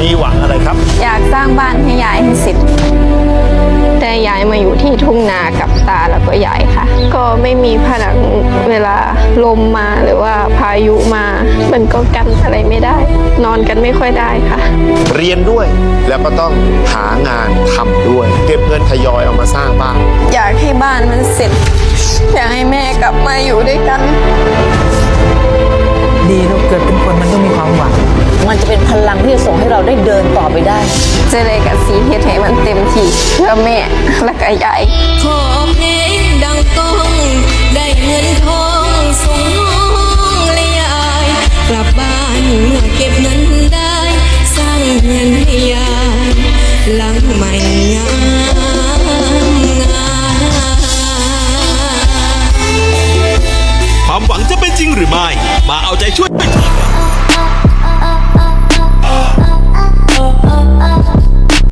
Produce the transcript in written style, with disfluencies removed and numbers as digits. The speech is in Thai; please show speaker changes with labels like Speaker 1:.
Speaker 1: มีหวังอะไรครับ
Speaker 2: อยากสร้างบ้านให้ยายให้เสร็จแต่ยายมาอยู่ที่ทุ่งนากับตาแล้วก็ยายค่ะก็ไม่มีผนังเวลาลมมาหรือว่าพายุมามันก็กันอะไรไม่ได้นอนกันไม่ค่อยได้ค่ะ
Speaker 1: เรียนด้วยแล้วก็ต้องหางานทำด้วยเก็บเงินทยอยเอามาสร้างบ้าน
Speaker 2: อยากให้บ้านมันเสร็จอยากให้แม่กลับมาอยู่ด้วยกัน
Speaker 3: ดีลูกเกิดเป็นคนมันต้องมีความหวัง
Speaker 4: มันจะเป็นพลังที่จะส่งให้เราได้เดินต่อไปได้
Speaker 2: เจเลยกับสีเฮ็ดให้มันเต็มที่เพื่อแม่และก็ยาย
Speaker 5: ขอเพลงดังก้องได้เงินทองส่งน้องและยายกลับบ้านเมื่อเก็บเงิน